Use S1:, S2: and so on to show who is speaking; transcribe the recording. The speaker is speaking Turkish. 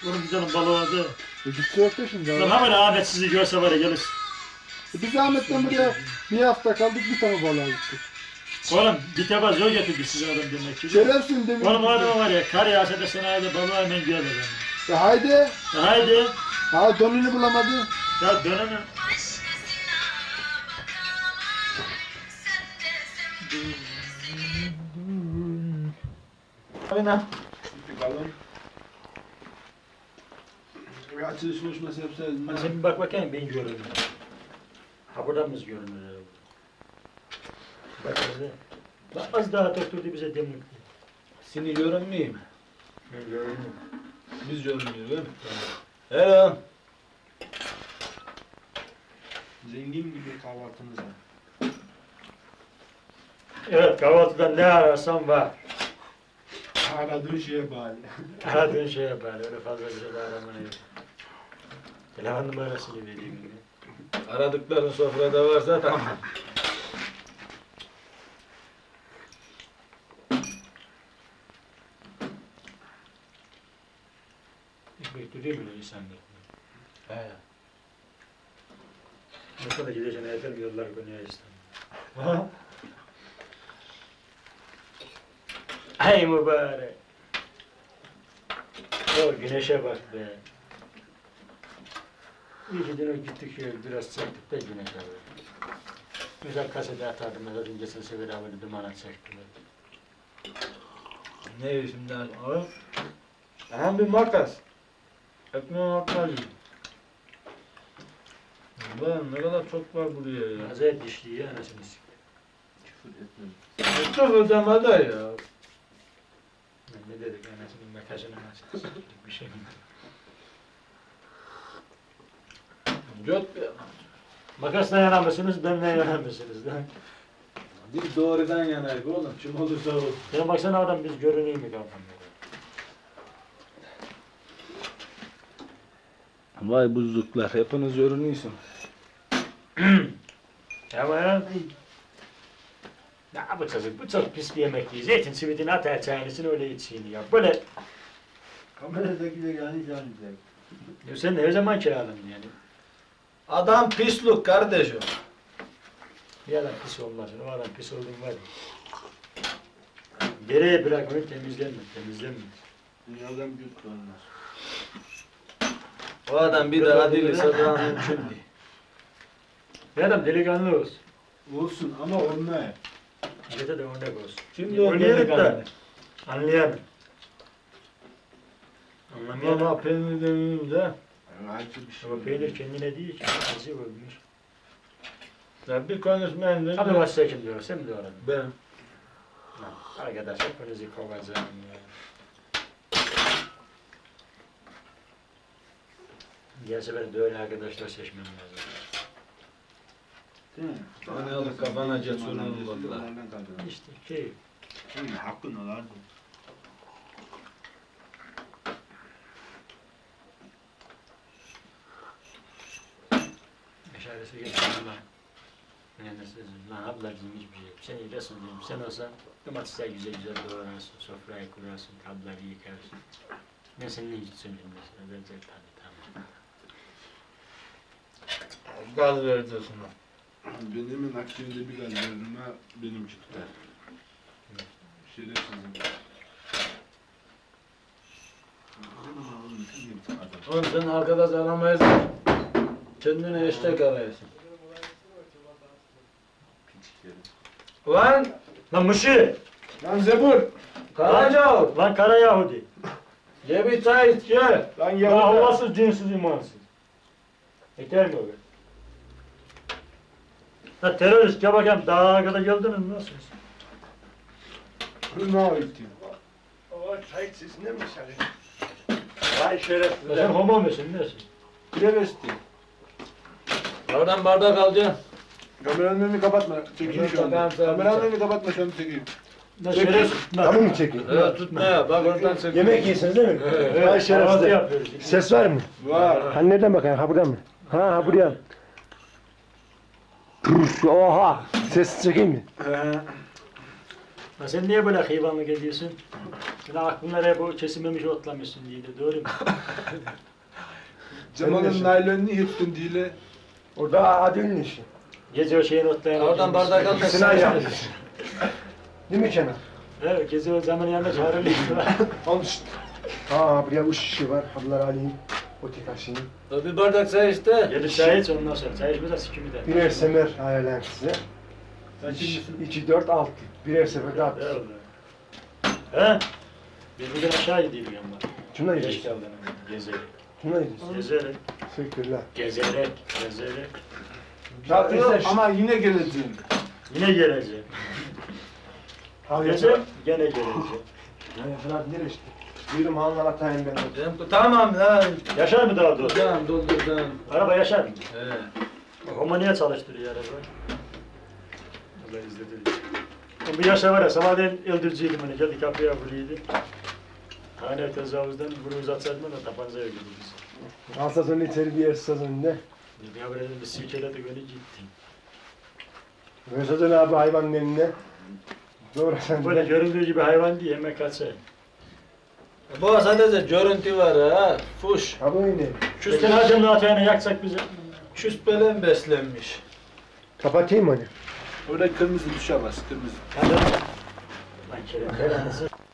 S1: Onun güzelim balığı vardı.
S2: Gitse yok da şimdi.
S1: Lan hemen Ahmet sizi görse var ya gelir.
S2: Biz Ahmet'ten buraya bir hafta kaldık, bir tane balığa gittik.
S1: Oğlum bir tebaz yol getirdi size adam demek ki.
S2: Şerefsin demin.
S1: Oğlum o adam var ya kar yağsa da sana hadi balığı hemen gelir.
S2: Ya haydi.
S1: Ya haydi.
S2: Ha donunu bulamadı.
S1: Ya dönemem.
S2: Abi ne?
S3: Bakalım. Bir açılış konuşması yapsaydın.
S1: Hadi sen bir bak bakayım ben görünür. Ha buradan mı görünür? Bak bize. Bak az daha doktordu bize demlik.
S3: Seni görünmeyeyim mi?
S1: Ben görünür.
S3: Biz görünmüyoruz değil mi? Hello. Zengin gibi kahvaltımız var.
S1: Evet kahvaltıda ne ararsan var.
S3: Aradığın şeye bağlı.
S1: Aradığın şey yapar. Öyle fazla bir şey de aramana yok. Telefon numarasını vereyim gibi.
S3: Aradıkların sofrada varsa tamam.
S1: Ekmek duruyor mu insanlar?
S3: He.
S1: Ne kadar gideceğine yeter mi yollar Konya İstanbul? Ay mübarek. O güneşe bak be. İyi ki dün gittik şöyle biraz çektik de güneşe bak. Güzel kasede atardım mesela dün geçen sefer havada dumana çektiler.
S3: Ne şimdi abi? Aha bir makas. Ekmeğin makas. Ulan ne kadar çok var buraya ya.
S1: Acayip dişli ya anasını siktir.
S3: Çok ödemede ya.
S1: Ne dedik anasının makasını anasını siktir bir şey mi?
S3: Göt bir
S1: Makasla yanamışsınız, benimle yanamışsınız.
S3: Biz doğrudan yanayız oğlum. Kim olursa olsun.
S1: Sen baksana adam biz görüneyim mi kafamda?
S3: Vay buzluklar. Hepiniz görünüyorsun.
S1: Ama ya bu çocuk, bu çok pis bir yemek yiyor. Zeytin simidini atar çayını öyle içsin ya. Böyle,
S4: Kameradakiler yani canlı.
S1: ya sen her zaman kiraladın yani.
S3: Adam pisluk kardeşim.
S1: Bir adam pis olmasın, o adam pis olduğun var ya. Geriye bırak onu temizlenme.
S4: Dünyadan büyük olmaz.
S3: O adam bir daha değilse daha mümkün değil.
S1: Bir adam delikanlı olsun.
S4: Olsun ama olmaya.
S1: Millete de örnek olsun.
S3: Şimdi o
S1: Örneğin
S3: gelip de
S1: anlayan. Anlamayan.
S3: ama peynir demeyeyim de
S4: Acı bir şey.
S1: Ama peynir kendine değil ki. Acı olmuş.
S3: ya bir konuşmayın
S1: Abi
S3: de
S1: başta kim diyor? Sen mi diyor adam?
S3: ben.
S1: Arkadaş hepinizi kovacağım ya. Diğer sefer de öyle arkadaşlar seçmem lazım.
S4: Değil mi?
S3: Bana alıp kafana cesurunu buldular.
S4: Onlardan kaldı.
S1: İşte şey.
S4: Hakkın olardı.
S1: Meşalesi getirdim lan. Yani lan ablacığım hiçbir şey yok. Sen iyilesin diyorum. Sen olsan domatesler güzel güzel doğrarsın. Sofrayı kurarsın. Tabları yıkarsın. Ben seninle hiç söyleyeyim mesela. Ben de tamam.
S3: Gaz vereceksin.
S4: Benim akşamda bir gaz verdim ha benim çıktı. Şerefsizim.
S3: Oğlum sen arkadaş aramayız. Kendine eşek arıyorsun. Lan!
S1: Lan Mışı!
S3: Lan Zebur! Karacaoğlu!
S1: Lan Kara Yahudi!
S3: Ye bir çay iç ye!
S4: Lan
S1: Ya Allahsız, dinsiz, imansız. Yeter mi o be? Ha terörist ya bakayım daha kadar geldiniz mi nasılsınız?
S4: Ne yapayım?
S5: O çay sesinde mi çalıyor? Vay şerefsizler.
S1: Sen homo musun nesin?
S4: Travesti.
S3: Oradan bardak alacaksın.
S4: Kameranın önünü kapatma. Çekeyim şu anda. Kameranın önünü kapatma şu anda çekeyim.
S1: Ne şerefsiz?
S2: Tamam mı çekeyim?
S3: Evet tutma ya bak oradan çek.
S2: Yemek yiyorsunuz değil mi?
S1: Evet,
S2: Vay şerefsizler.
S1: yapıyoruz.
S2: Ses var mı?
S4: Var.
S2: Hani nereden bakayım? Ha buradan mı? Ha buraya. Oha! Ses çekeyim mi?
S1: Ya sen niye böyle hayvanlık ediyorsun? Sen aklınlara hep o kesilmemiş otlamışsın diye de doğru mu?
S4: Cemal'ın naylonunu yırttın diye.
S5: Orada Adil'in işi.
S1: Gece o şeyin otlayan...
S3: Oradan bardak al da
S5: Sinan yapmış. Değil mi Kenan?
S1: Evet, gece o zaman yanında çağırılıyor.
S5: Al işte. Buraya bu şişi var. Ablar alayım. O tikaşını.
S3: Bir bardak çay işte.
S1: Gelip çay iç ondan sonra. Çay içmeden sikimi de.
S5: Birer semer ayarlayayım size. 2, 4, 6. Birer seferde at.
S1: Evet. He? Biz bugün aşağı gidiyoruz ama.
S5: Şuna
S1: Geç
S5: gidiyorsun.
S1: geldin ama. Gezerek.
S5: Şuna gidiyorsun.
S1: Gezerek.
S5: Teşekkürler.
S1: Gezerek. Gezerek.
S5: Şarkı
S4: Ama yine geleceğim.
S1: Yine geleceğim. Geleceğim. Gene geleceğim.
S5: Fırat nereye işte? Buyurun hanlar atayım ben.
S3: Tamam lan.
S1: Yaşar mı daha doğrusu?
S3: Tamam doldur tamam.
S1: Araba yaşar mı?
S3: He.
S1: Homoniye çalıştırıyor araba. Allah izledi. Bu yaşa var ya, sabahleyin öldürücüydüm hani, geldi kapıya vuruydu. Hani tezahüzden bunu uzatsaydım da tabancaya gidiyoruz.
S5: Alsa sonra içeri bir yer sazonunda.
S1: Bir haber edin, bir silkeledik öyle gittim.
S5: Mesajın abi hayvanın eline. Doğru sen
S1: Böyle
S5: de.
S1: göründüğü gibi hayvan değil, hemen kaçar.
S3: Bu sadece görüntü var ha. Fuş.
S5: Ha bu ne?
S1: Küsten hacımla atayana yaksak bize.
S3: Küspelen beslenmiş.
S5: Kapatayım mı?
S4: Orada kırmızı düşe bas, kırmızı.
S1: Hadi. Lan kerem, belanızı.